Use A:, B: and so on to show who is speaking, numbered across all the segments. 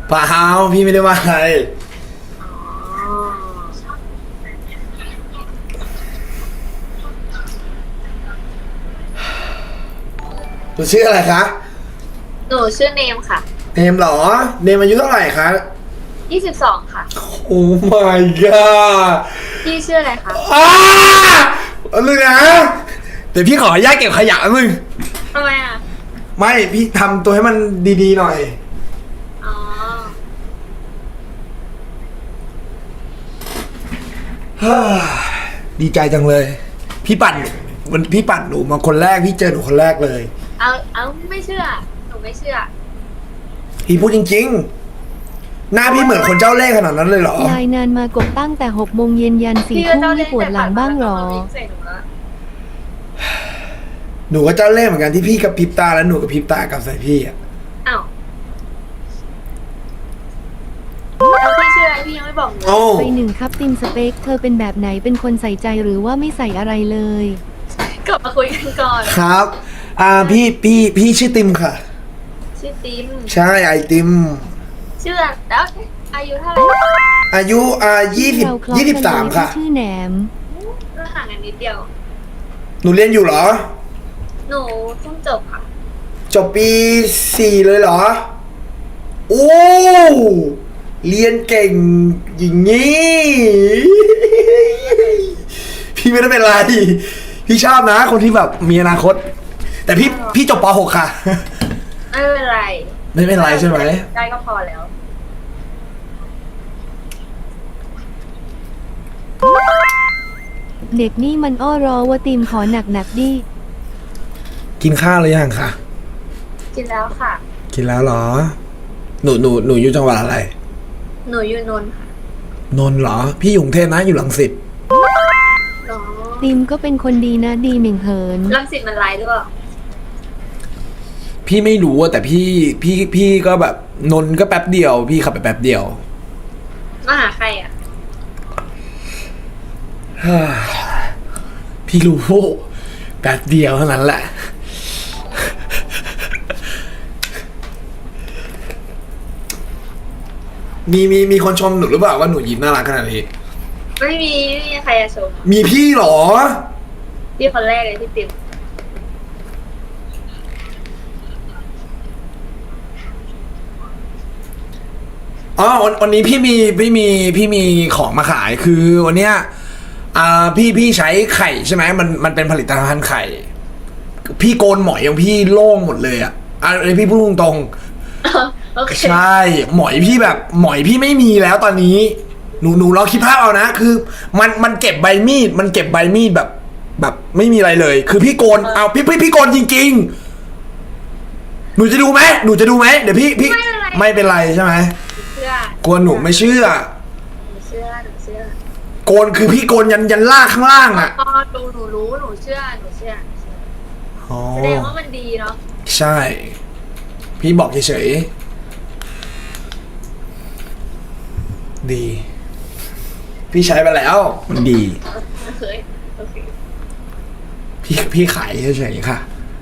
A: เปล่าพี่ไม่ได้ว่าอะไร
B: อ๋อ
A: หนูชื่ออะไรคะ
B: หนูชื่อเนมค่ะ
A: เนมเหรอเนมอายุเท่าไหร่คะ
B: 22ค่ะ
A: โอ้ my god
B: พี่ชื่ออะไรคะ
A: อ้าเอาเลยนะเดี๋ยวพี่ขออนุญาตเก็บขยะมึง
B: ทำไมอ่ะ
A: ไม่พี่ทำตัวให้มันดีๆหน่อย
B: อ๋อ
A: ดีใจจังเลยพี่ปั่นหนูมาคนแรกพี่เจอหนูคนแรกเลย
B: เอาไม่เชื่อหนูไม่เชื่อ
A: พี่พูดจริงๆหน้าพี่เหมือนคนเจ้าเล่ห์ขนาดนั้นเลยเหรอ
C: ยายนานมากบตั้งแต่6 โมงยัน4 ทุ่มไม่ปวดหลังบ้างหรอ
A: หนูก็เจ้าเล่ห์เหมือนกันที่พี่กับพริบตาแล้วหนูกับพริบตากับใส่พี่อ่ะ
B: อ้าวแล้วพี่ชื่ออะไรพี่ยังไม่บอกหนู
C: ไป1ครับติมสเปคเธอเป็นแบบไหนเป็นคนใส่ใจหรือว่าไม่ใส่อะไรเลย
B: กลับมาคุยกันก่อน
A: ครับพี่ชื่อติมค่ะ
B: ชื่อติม
A: ใช่ไอติม
B: ชื่อแล้วอายุเท่าไหร่
A: อายุ23ค่ะ
C: ชื่อแหนม
B: ก็ห่างกันนิดเดียว
A: หนูเรียนอยู่เหรอ
B: หนูเพิ่งจบค่ะ
A: จบปี4เลยเหรอโอ้เรียนเก่งอย่างนี้พี่ไม่ได้เป็นไรพี่ชอบนะคนที่แบบมีอนาคตแต่พี่จบป .6 ค่ะ
B: ไม่เป็นไร
A: ไม่เป็นไรใช่ไหม
B: ได้ก็พอแล้ว
C: เด็กนี่มันอ้อรอว่าติมขอหนักดิ
A: กินข้าวหรือยังคะ
B: กินแล้วค่ะ
A: กินแล้วเหรอหนูอยู่จังหวัดอะไร
B: หนูอยู่นนท์ค่ะ
A: นนท์เหรอพี่อยู่กรุงเทพนะอยู่รังสิต
C: ติมก็เป็นคนดีนะดีเหม่งเหิน
B: รังสิตมันไร้หรือเปล่า
A: พี่ไม่รู้แต่พี่ก็แบบนนท์ก็แป๊บเดียวพี่ขับไปแป๊บเดียว
B: มาหาใครอ่ะ
A: พี่รู้แป๊บเดียวเท่านั้นแหละมีคนชมหนูหรือเปล่าว่าหนูยิ้มน่ารักขนาดนี้
B: ไม่มีใครจะชม
A: มีพี่หรอ
B: พี่คนแรกเลยที่ติม
A: อ๋อวันนี้พี่มีของมาขายคือวันเนี้ยพี่ใช้ไข่ใช่ไหมมันเป็นผลิตภัณฑ์ไข่พี่โกนหมอยของพี่โล่งหมดเลยอ่ะอะไรพี่พูดตรงใช่หมอยพี่แบบหมอยพี่ไม่มีแล้วตอนนี้หนูลองคิดภาพเอานะคือมันเก็บใบมีดแบบไม่มีอะไรเลยคือพี่โกนเอาพี่โกนจริงๆหนูจะดูไหมเดี๋ยวพี่ไม่เป็นไรใช่ไหมโกนหนูไม่เชื่อโกนคือพี่โกนยันล่างข้างล่างอ่ะ
B: ดูหนูรู้หนูเชื่อแสดงว่ามันดีเนาะ
A: ใช่พี่บอกเฉยๆดีพี่ใช้ไปแล้วมันดี
B: โอเค
A: พี่ขายเฉยๆค่ะ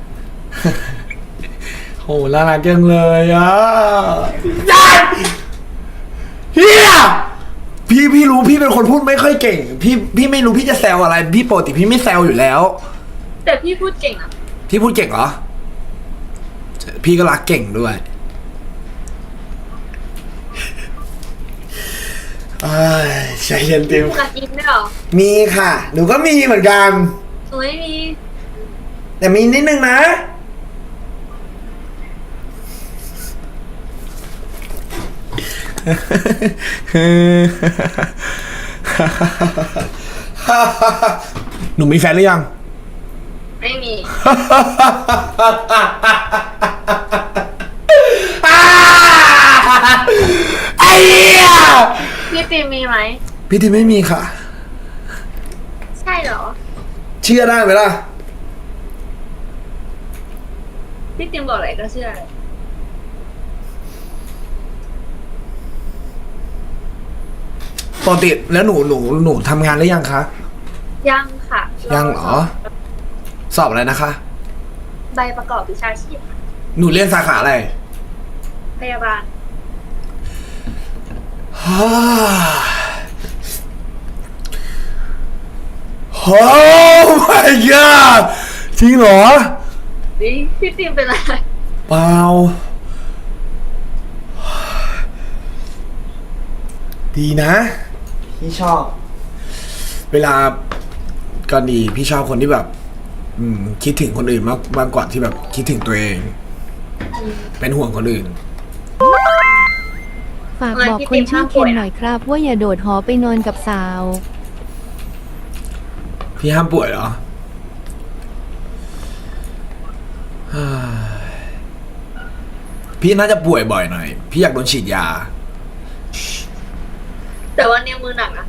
A: โหน่ารักจังเลยอ่ะเฮียพี่รู้พี่เป็นคนพูดไม่ค่อยเก่งพี่ไม่รู้พี่จะแซวอะไรพี่ปกติพี่ไม่แซวอยู่แล้ว
B: แต่พี่พูดเก่งอ่ะ
A: พี่พูดเก่งเหรอพี่ก็รักเก่งด้วยใจเย็นติม
B: รักยิ้มได้หรอ
A: มีค่ะหนูก็มีเหมือนกัน
B: หนูไม่มี
A: แต่มีนิดนึงนะหนูมีแฟนหรือยัง
B: ไม่มี
A: ไอ้เหี้ย
B: พี่ติมมีไหม
A: พี่ติมไม่มีค่ะ
B: ใช่เหรอ
A: เชื่อได้ไหมล่ะ
B: พี่ติมบอกอะไรก็เชื่อ
A: ปกติแล้วหนูทำงานหรือยังคะ
B: ยังค่ะ
A: ยังเหรอสอบอะไรนะคะ
B: ใบประกอบวิชาชีพ
A: หนูเรียนสาขาอะไร
B: พยาบาล
A: ฮ่าโอ้ my god จริงเหรอ
B: นี่พี่ติมเป็นอะไร
A: เปล่า ดีนะ พี่ชอบ เวลาก็ดีพี่ชอบคนที่แบบ คิดถึงคนอื่นมากกว่าที่แบบคิดถึงตัวเอง เป็นห่วงคนอื่น
C: ฝากบอกคนชื่อเคนหน่อยครับ ว่าอย่าโดดหอไปนอนกับสาว
A: พี่ห้ามป่วยเหรอ พี่น่าจะป่วยบ่อยหน่อย พี่อยากโดนฉีดยา
B: แต่ว่านิ้วมือหนักนะ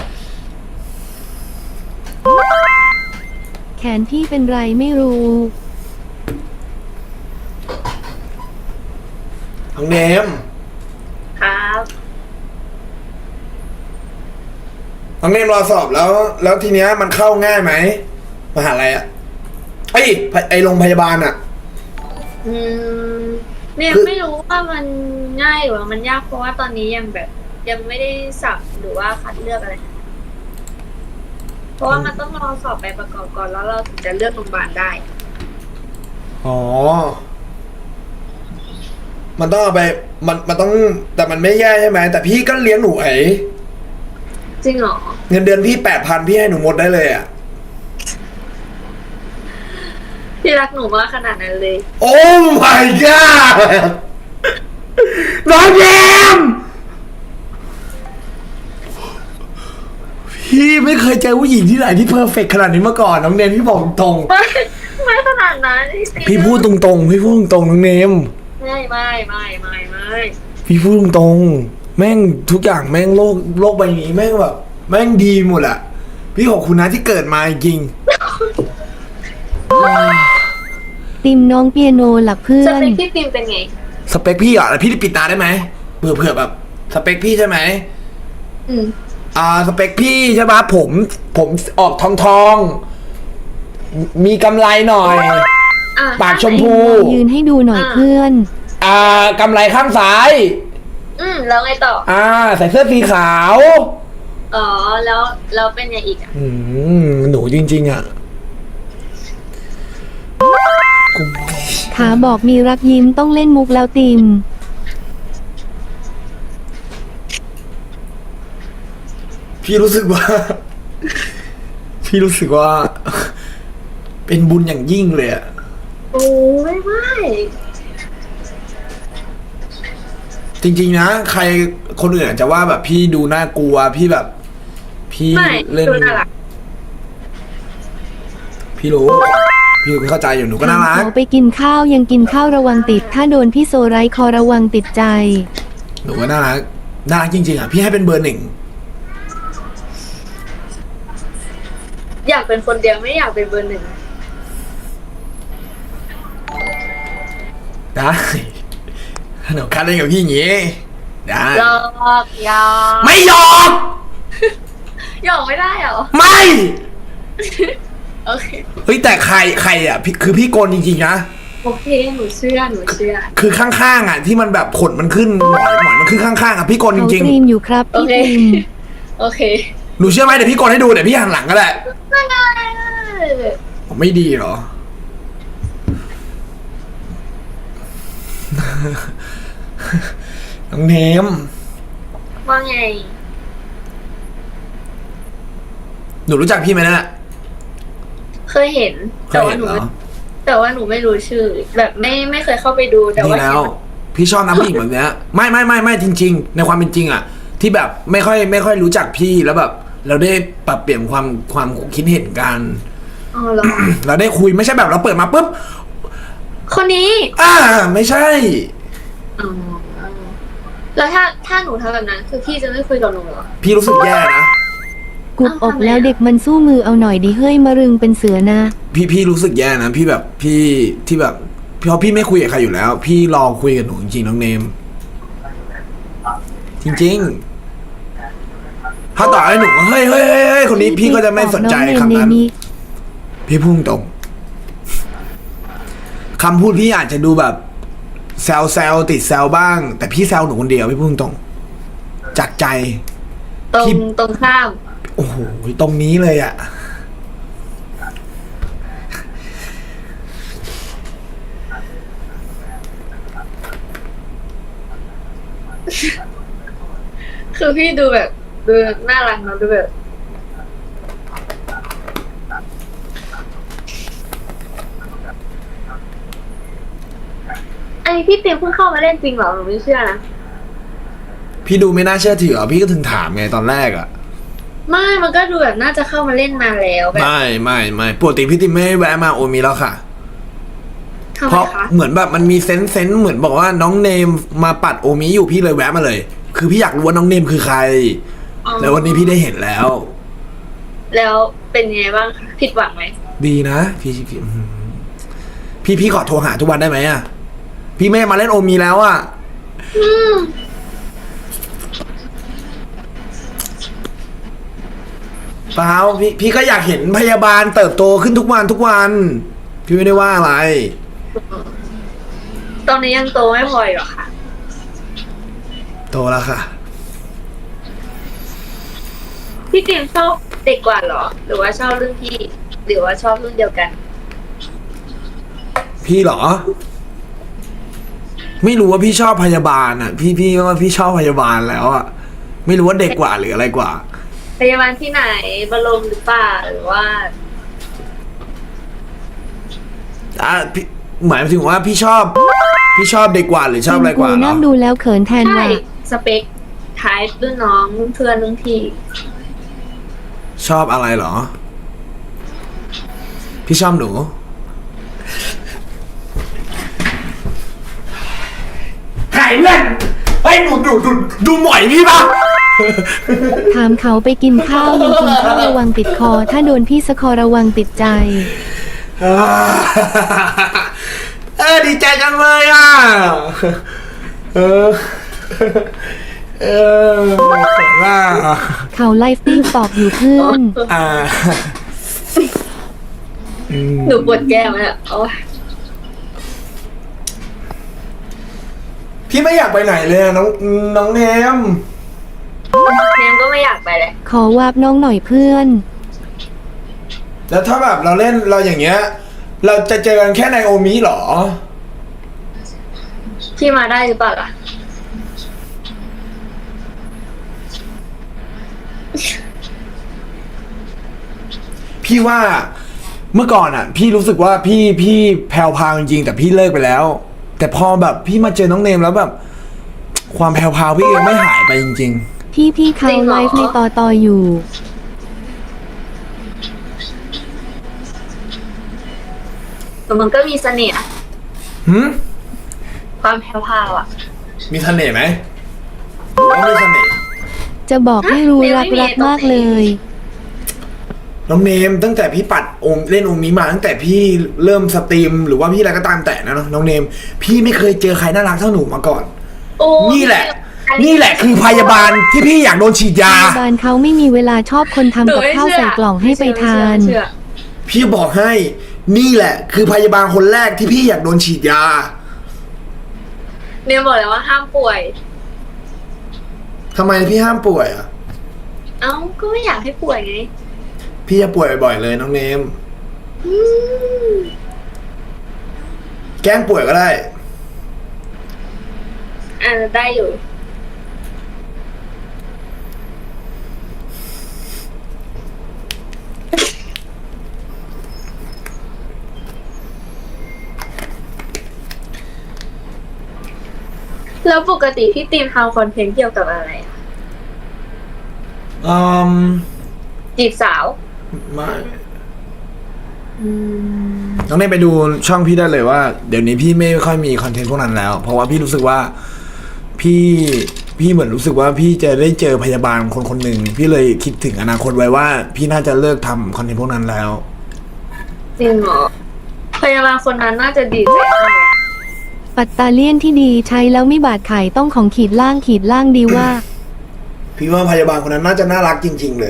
C: แขนพี่เป็นไรไม่รู้
A: น้องเนม
B: ครับ
A: น้องเนมรอสอบแล้วทีเนี้ยมันเข้าง่ายไหมมหาลัยอะไอโรงพยาบาลอะ
B: เนี่ย
A: คือ
B: ไม่รู้ว่ามันง่ายหรือว่ามันยากเพราะว่าตอนนี้ยังแบบยังไม่ได้สับหรือว่าคัดเลือกอะไร เพราะว่ามันต้องรอสอบไปประกอบก่อนแล้วเราถึงจะเลือกโรงพยาบาลได้
A: อ๋อ มันต้องเอาไป มันต้อง แต่มันไม่แย่ใช่ไหม แต่พี่ก็เลี้ยงหนู
B: จริงเหรอ
A: เงินเดือนพี่8,000พี่ให้หนูหมดได้เลยอะ
B: พี่รักหนูมากขนาดนั้นเลย
A: โอ้ my god น้องเนมพี่ไม่เคยเจอผู้หญิงที่ไหนที่เพอร์เฟกต์ขนาดนี้มาก่อนน้องเนมพี่บอกตรง
B: ไม่ขนาดนั้น
A: พี่พูดตรงๆพี่พูดตรงๆน้องเนม
B: ไม่
A: พี่พูดตรงๆแม่งทุกอย่างแม่งโลกใบนี้แม่งแบบแม่งดีหมดอะพี่ขอบคุณนะที่เกิดมาจริง
C: ติมน้องเปียโนหลักเพื่อ
B: ส
C: น
B: เปคพี่ติมเป็นไง
A: สเปคพี่อ่ะแล้วพี่ได้ปิดตาได้ไหมเผื่อแบบสเปคพี่ใช่ไหม สเปคพี่ใช่ปะผมออกทองมีกำไรหน่อย ปากชมพู
C: ยืนให้ดูหน่อยเพื่อน
A: กำไรข้างซ้าย
B: แล้วไงต่อ
A: ใส่เสื้อสีขาว
B: อ๋อ แล้วเป็นยังอีกอ่ะ
A: หนูจริงๆอ่ะ
C: ขาบอกมีรักยิ้มต้องเล่นมุกแล้วติม
A: พี่รู้สึกว่า เป็นบุญอย่างยิ่งเลยอะ
B: โอ้ไม่
A: จริงๆนะใครคนอื่นอาจจะว่าแบบพี่ดูน่ากลัวพี่แบบ พี่
B: ไม่
A: เล่น
B: ดูน่ารัก
A: พี่รู้ พี่เข้าใจอยู่หนูก็น่ารัก
C: ขอไปกินข้าวยังกินข้าวระวังติด ถ้าโดนพี่โซไรคอระวังติดใจ
A: หนูก็น่ารักจริงๆอ่ะพี่ให้เป็นเบอร์ 1
B: อยากเป็นคนเดียวไม่อยากเป็นเบอร์ 1
A: ได้หนูคัดเล่นกับพี่อย่างงี้ได้
B: หยอกหยอก
A: ไม่หยอก
B: หยอกไม่ได้เหรอ
A: ไม่
B: โอเค
A: เฮ้ยแต่ใครอ่ะคือพี่โกนจริงๆนะ
B: โอเคหนูเชื่อ
A: คือข้างๆอ่ะที่มันแบบขนมันขึ้นหมอยมันขึ้นข้างๆอ่ะพี่โกนจ
C: เขา
A: ริง
C: ตรีมอยู่ครับ
B: โอ
C: พี่
B: เค
C: ติม
B: โอเค
A: ๆหนูเชื่อไหมเดี๋ยวพี่โกนให้ดูเดี๋ยวพี่หันหลังก็ได้
B: ไม่ได้
A: ไม่ดีเหรอ น้องเนม
B: ว่าไง
A: หนูรู้จักพี่ไหมนะ
B: เคยเห็น
A: เคยเห็นเหรอ
B: แต่ว่าหนูไม่รู้ชื่อ แบบไม่เคยเข้าไปดูแต่
A: นี่
B: ว่า
A: แล้ว พี่ชอบนะผู้หญิงแบบเนี้ยไม่จริง ๆ ในความเป็นจริงอ่ะ ที่แบบไม่ค่อยรู้จักพี่แล้วแบบ เราได้ปรับเปลี่ยนความคิดเห็นกัน
B: อ๋อเหรอ
A: เราได้คุยไม่ใช่แบบเราเปิดมาปุ๊บ
B: คนนี้
A: ไม่ใช่
B: อ๋อแล้วถ้าหนูทำแบบนั้นคือพี่จะไม่คุยกับหนูเหรอ
A: พี่รู้สึกแย่นะ
C: กุบอกแล้วเด็กมันสู้มือเอาหน่อยดิเฮ้ยมารึงเป็นเสือนะ
A: พี่รู้สึกแย่นะพี่แบบพี่ที่แบบเพราะพี่ไม่คุยกับใครอยู่แล้ว พี่รอคุยกับหนูจริงๆน้องเนม จริงๆถ้าต่อให้หนูเฮ้ยคนนี้พี่ก็จะไม่สนใจคำนั้น พี่พุ่งตรงคำพูดพี่อาจจะดูแบบแซวติดแซวบ้าง แต่พี่แซวหนูคนเดียวพี่พุ่งตรงจากใจ
B: ตรง
A: พี่
B: ตรงข้าม
A: โอ้โหตรงนี้เลยอะ
B: คือพี่ดูแบบดูน่ารักเนอะดูแบบไอพี่เต็มเพิ่งเข้ามาเล่นจริงเหรอหนูไม่เชื่อนะ
A: พี่ดูไม่น่าเชื่อถืออ่ะพี่ก็ถึงถามไงตอนแรกอ่ะ
B: ไม่มันก็ดูแบบน่าจะเข้ามาเล่นนานแล้วแบบ
A: ไม่ปกติพี่ติมไม่แวะมาโอมีแล้วค่ะ
B: ทำ
A: เพ
B: ไม
A: ราะ
B: คะ
A: เหมือนแบบมันมีเซนส์เหมือนบอกว่าน้องเนมมาปัดโอมิอยู่พี่เลยแวะมาเลย คือพี่อยากรู้ว่าน้องเนมคือใคร
B: อ๋อ
A: แล้ววันนี้พี่ได้เห็นแล้ว
B: แล้วเป็นไงบ้างคะผิดหวังไหม
A: ดีนะพี่ขอโทรหาทุกวันได้ไหมอ่ะพี่ไม่มาเล่นโอมีแล้วอ่ะเปล่าพี่ก็อยากเห็นพยาบาลเติบโตขึ้นทุกวันพี่ไม่ได้ว่าอะไร
B: ตอนนี้ยังโตไม่พออีกเหรอคะ
A: โตแล้วค่ะ
B: พี่เต็มชอบเด็กกว่าเหรอ หรือว่าชอบรุ่นพี่ หรือว่าชอบรุ่นเดียวกัน
A: พี่เหรอ ไม่รู้ว่าพี่ชอบพยาบาลอ่ะ พี่ว่าพี่ชอบพยาบาลแล้วอ่ะไม่รู้ว่าเด็กกว่าหรืออะไรกว่า
B: พยาบาลที่ไหนบรมหรือเปล่าหรือว่า
A: พี่หมายถึงว่าพี่ชอบเด็กกว่าหรือชอบอะไรกว่าเหรอ
C: นั่งดูแล้วเขินแทน
B: ใช่
C: ว่ะ
B: สเปคท้ายรุ่นน้องรุ่นเพื่อนรุ่นพี่
A: ชอบอะไรเหรอ พี่ชอบหนูหายเล่นไอ้ยดูหมอยพี่ปะ
C: ถามเขาไปกินข้าวยังกินข้าวระวังติดคอ ถ้าโดนพี่สะคอระวังติดใจ
A: ดีใจจังเลยอ่ะเขินว่า
C: เขาไลฟ์ติ้งตอบอยู่เพื่อน
B: หนูปวดแก้มอ่ะโอ้ย
A: พี่ไม่อยากไปไหนเลยอะน้องเนม
B: เนมก็ไม่อยากไปเลย
C: ขอวาบน้องหน่อยเพื่อน
A: แล้วถ้าแบบเราเล่นเราอย่างเงี้ย เราจะเจอกันแค่ในโอมิเหรอ
B: พี่มาได้หรือเปล่าล่ะ
A: พี่ว่าเมื่อก่อนอ่ะ พี่รู้สึกว่าพี่แผ่วพราวจริงๆแต่พี่เลิกไปแล้ว แต่พอแบบพี่มาเจอน้องเนมแล้วแบบ ความแผ่วพราวพี่ยังไม่หายไปจริง
C: พี่เขา
B: จริงเหรอ
C: ไลฟ์ในต่ออยู่
B: แต่มันก็มีเสน่ห์อะ
A: ๆหืม
B: ความแพรวๆอ่ะ
A: มีเสน่ห์ไหมต้องมีเสน่ห์
C: จะบอกให้รู้
B: ฮะ
C: รัก
B: ไม่มี
C: รักมาก
B: ตรงไหน
C: เลย
A: น้องเนมตั้งแต่พี่ปัดเล่นโอมิมาตั้งแต่พี่เริ่มสตรีมหรือว่าพี่อะไรก็ตามแต่นะน้องเนม พี่ไม่เคยเจอใครน่ารักเท่าหนูมาก่อน
B: โอ้
A: นี่แหละคือพยาบาลที่พี่อยากโดนฉีดยา
C: พยาบาลเขาไม่มีเวลาชอบคนทำกับข้าวใส่กล่องให้ไปทาน
B: เชื่อ
A: พี่บอกให้นี่แหละ คือพยาบาลคนแรกที่พี่อยากโดนฉีดยา
B: เนมบอกเลยว่าห้ามป่วย
A: ทำไมพี่ห้ามป่วยอ่ะ
B: เอ้าก็ไม่อยากให้ป่วยไง
A: พี่จะป่วยบ่อยๆเลยน้องเนม
B: อืม
A: แกล้งป่วยก็ได้
B: ได้อยู่ แล้วปกติพี่ตีมทำคอนเทนต์เกี่ยวกับอะไรอะ
A: อืม
B: จีบสาว
A: ไม่น้องเนมไปดูช่องพี่ได้เลยว่าเดี๋ยวนี้พี่ไม่ค่อยมีคอนเทนต์พวกนั้นแล้ว เพราะว่าพี่รู้สึกว่าพี่เหมือนรู้สึกว่าพี่จะได้เจอพยาบาลคนหนึ่งพี่เลยคิดถึงอนาคตไว้ว่า พี่น่าจะเลิกทำคอนเทนต์พวกนั้นแล้ว
B: จริงเหรอ พยาบาลคนนั้นน่าจะดีใจมากเลยอะ
C: ปัตตาเลียนที่ดีใช้แล้วไม่บาดไข่ต้องของขีดล่างดีว่า
A: พี่ว่าพยาบาลคนนั้นน่าจะน่ารักจริง ๆ เลย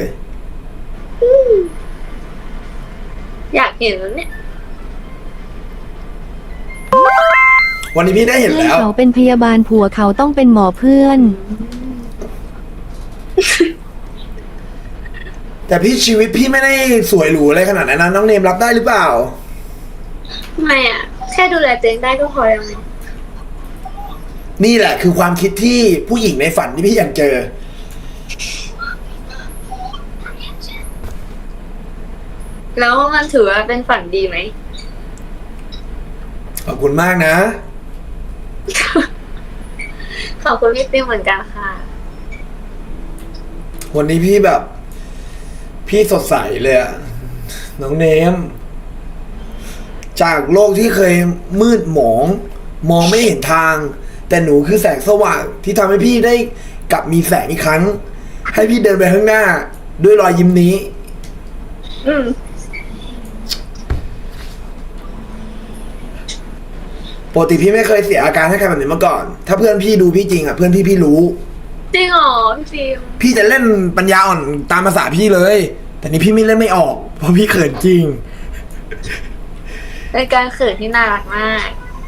B: อยากเห็นแล้วเนี่ย
A: วันนี้พี่ได้เห็น
C: เพื่อน
A: แล้ว
C: เขาเป็นพยาบาลผัวเขาต้องเป็นหมอเพื่อน
A: แต่พี่ชีวิตพี่ไม่ได้สวยหรูอะไรขนาดนั้นนะน้องเนมรับได้หรือเปล่า
B: ไม่อ่ะ แค่ดูแลตัวเองได้ก็พอแล้วไง
A: นี่แหละคือความคิดที่ผู้หญิงในฝันที่พี่อยากเจอ
B: แล้วมันถือว่าเป็นฝันดีไหม
A: ขอบคุณมากนะ
B: ขอบคุณพี่ติ้มเหมือนกันค่ะ
A: วันนี้พี่แบบ พี่สดใสเลยอะน้องเนม จากโลกที่เคยมืดหมอง มองไม่เห็นทาง แต่หนูคือแสงสว่างที่ทำให้พี่ได้กลับมีแสงอีกครั้ง ให้พี่เดินไปข้างหน้า ด้วยรอยยิ้มนี้
B: อืม
A: ปกติพี่ไม่เคยเสียอาการให้ใครแบบนี้มาก่อน ถ้าเพื่อนพี่ดูพี่จริงอ่ะเพื่อนพี่รู้
B: จริงเหรอพี่ฟิล์ม
A: พี่จะเล่นปัญญาอ่อนตามภาษาพี่เลย แต่นี่พี่ไม่เล่นไม่ออก เพราะพี่เขินจริง
B: เป็นการเขินที่น่ารักมาก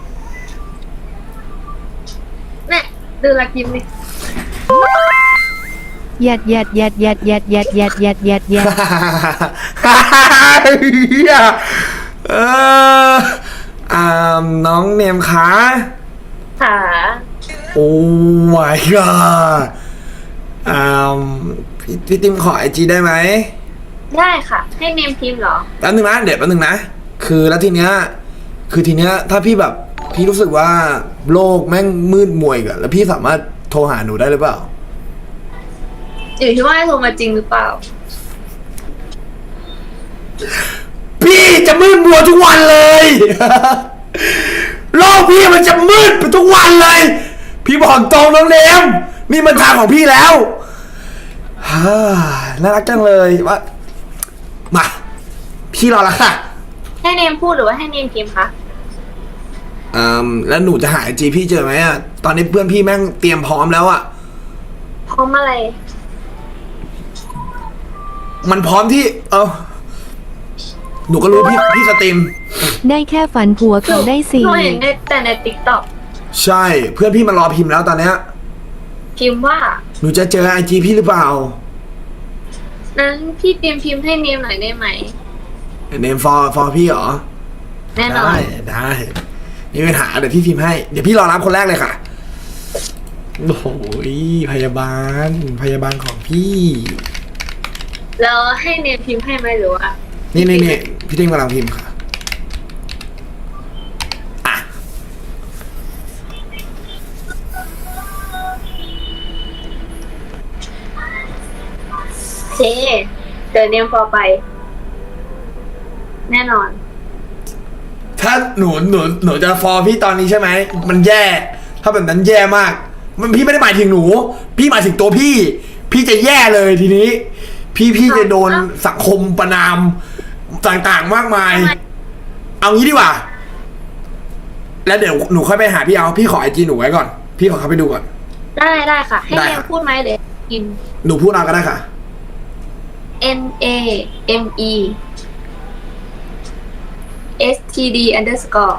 B: เนี่ยดูรักยิ้มดิ
C: หยัดหยัดหยัดหยัดหยัดหยัดหยัดหยัดหยัดหยัด
A: เออน้องเนมคะ
B: ค่ะ
A: โอ้ my god พี่ติมขอไอจีได้ไหม
B: ได้ค่ะ ให้เนมพิมพ์เหรอ
A: แป๊บนึงนะเดี๋ยวแป๊บนึงนะ คือแล้วทีเนี้ยถ้าพี่แบบพี่รู้สึกว่าโลกแม่งมืดมวยกันแล้วพี่สามารถโทรหาหนูได้หรือเปล่า
B: อยู่ที่ว่าให้โทรมาจริงหรือเปล่า
A: พี่จะมืดมัวทุกวันเลย โลกพี่มันจะมืดไปทุกวันเลย พี่บอกตรงน้องเนมนี่มันทางของพี่แล้ว ฮ่าน่ารักจังเลยว่ามาพี่รอแล้วค่ะ
B: ให้เนมพูดหรือว่าให้เนมพิมพ์คะ
A: แล้วหนูจะหาไอจีพี่เจอไหมอะตอนนี้เพื่อนพี่แม่งเตรียมพร้อมแล้วอะ
B: พร้อมอะไร
A: มันพร้อมที่หนูก็รู้พี่สตรีม
C: ได้แค่ฝันผัวเขาได้สี่
B: หนูเห็นแต่ในติ๊กต็อก
A: ใช่เพื่อนพี่มารอพิมพ์แล้วตอนเนี้ย
B: พิมพ์ว่า
A: หนูจะเจอไอจีพี่หรือเปล่า
B: นั้นพี่เตรียมพิมพ์ให้เนมหน่อยได้ไหม
A: เนมฟอร์พี่เหรอ
B: แน่นอน
A: ได้มีปัญหาเดี๋ยวพี่พิมพ์ให้เดี๋ยวพี่รอรับคนแรกเลยค่ะโอ้โหพยาบาลของพี่
B: แล้วให้เนมพิมพ์ให้ไหมหรือว่า
A: นี่พี่ติ้งกำลังพิมพ์ค่ะอ่ะ
B: โอเคเดี๋ยวเนมพอไป แน่นอน
A: ถ้าหนูจะฟอร์พี่ตอนนี้ใช่ไหมมันแย่ ถ้าแบบนั้นแย่มาก มันพี่ไม่ได้หมายถึงหนู พี่หมายถึงตัวพี่ พี่จะแย่เลยทีนี้ พี่จะโดนสังคมประนามต่างๆมากมาย เอางี้ดีกว่า แล้วเดี๋ยวหนูค่อยไปหาพี่ขอไอจีหนูไว้ก่อน พี่ขอเข้าไปดูก่อน
B: ได้ค่ะ ให้
A: ได้
B: เนม
A: ค่ะ
B: พูดไหมเดี๋ยวกิน
A: หนูพูดเอาก็ได้ค่ะ
B: NAME STD underscore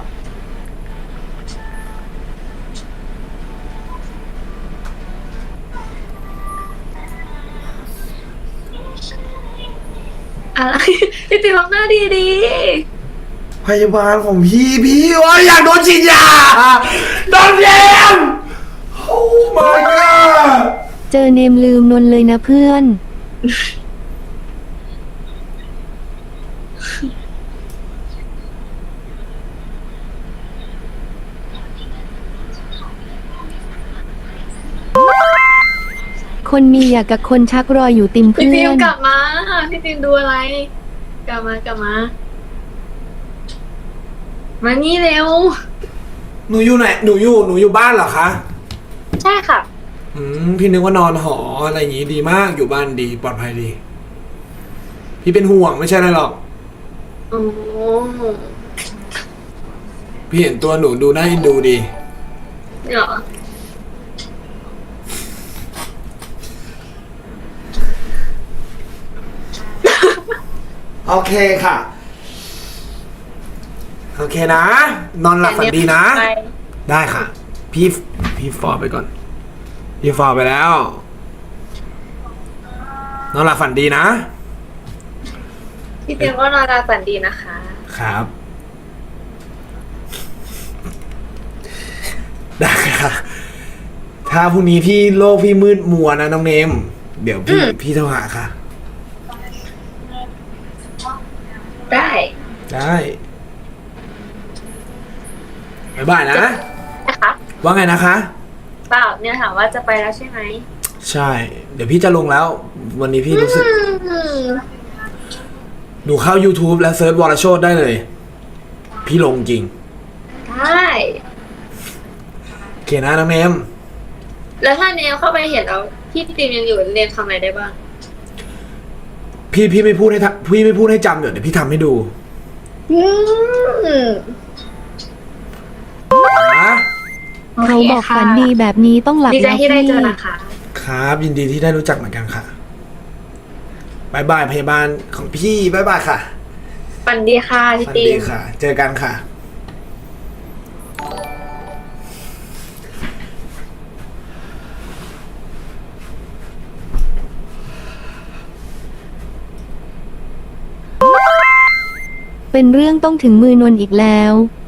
B: อะไรพี่ติ๋มทำหน้าดี
A: พยาบาลของพี่ว่าอยากโดนฉีดยาโดนแยมโอ้ my god
C: เจอเนมลืมนนเลยนะเพื่อน คนมีอยากกับคนชักรอยอยู่ติม
B: ๆพี่
C: เพื่
B: ติ๋
C: อ
B: ม
C: น
B: กลับมาพี่ติ๋มดูอะไร กลับมา มานี่เร็ว
A: หนูอยู่ไหนหนูอยู่บ้านเหรอคะ
B: ใช่ค่ะ
A: พี่นึกว่านอนหออะไรอย่างงี้ดีมากอยู่บ้านดีปลอดภัยดี พี่เป็นห่วงไม่ใช่อะไรหรอก
B: โอ้
A: พี่เห็นตัวหนูดูน่าเอ็นดูดี
B: เหรอ
A: โอเคค่ะ โอเคนะ นอนหลับฝันดีนะ
B: ไป
A: ได้ค่ะ พี่ฟอร์ไปก่อน พี่ฟอร์ไปแล้วนอนหลับฝันดีนะ
B: พี่เตียงก็นอนราฝันดีนะคะ
A: ครับ ได้ค่ะ ถ้าพรุ่งนี้พี่โลกพี่มืดมัวนะน้องเนม เดี๋ยวพี่โทรหาค่ะ
B: ได้
A: ได้บ๊ายบายนะ
B: นะคะ
A: ว่าไงนะคะ
B: เปล่าเนี่ยถามว่าจะไปแล้วใช่ไหม
A: ใช่ เดี๋ยวพี่จะลงแล้ว วันนี้พี่รู้สึก หนูเข้า YouTube แล้วเซิร์ชวรโชตได้เลย พี่ลงจริง
B: ได้
A: โอเคนะน้องเนม
B: แล้วถ้าเนมเข้าไปเห็นแล้วพี่ติมยังอยู่เนมทำอะไรได้บ้าง
A: พี่ไม่พูดให้พี่ไม่พูดให้จำเดี๋ยวพี่ทำให้ดูนะ
C: เขาบอกฝันดีแบบนี้ต้องหลับ
B: ดีใจ
C: แล้ว
B: ที่ได้
C: พี่
B: เจอนะคะ
A: ครับ ยินดีที่ได้รู้จักเหมือนกันค่ะบายบายพยาบาลของพี่บายบายค่ะ
B: ฝันดีค่ะพี่
A: สวัส
B: ติ
A: ดี
B: ม
A: ค่ะ เจอกันค่ะ
C: เป็นเรื่องต้องถึงมือนวลอีกแล้ว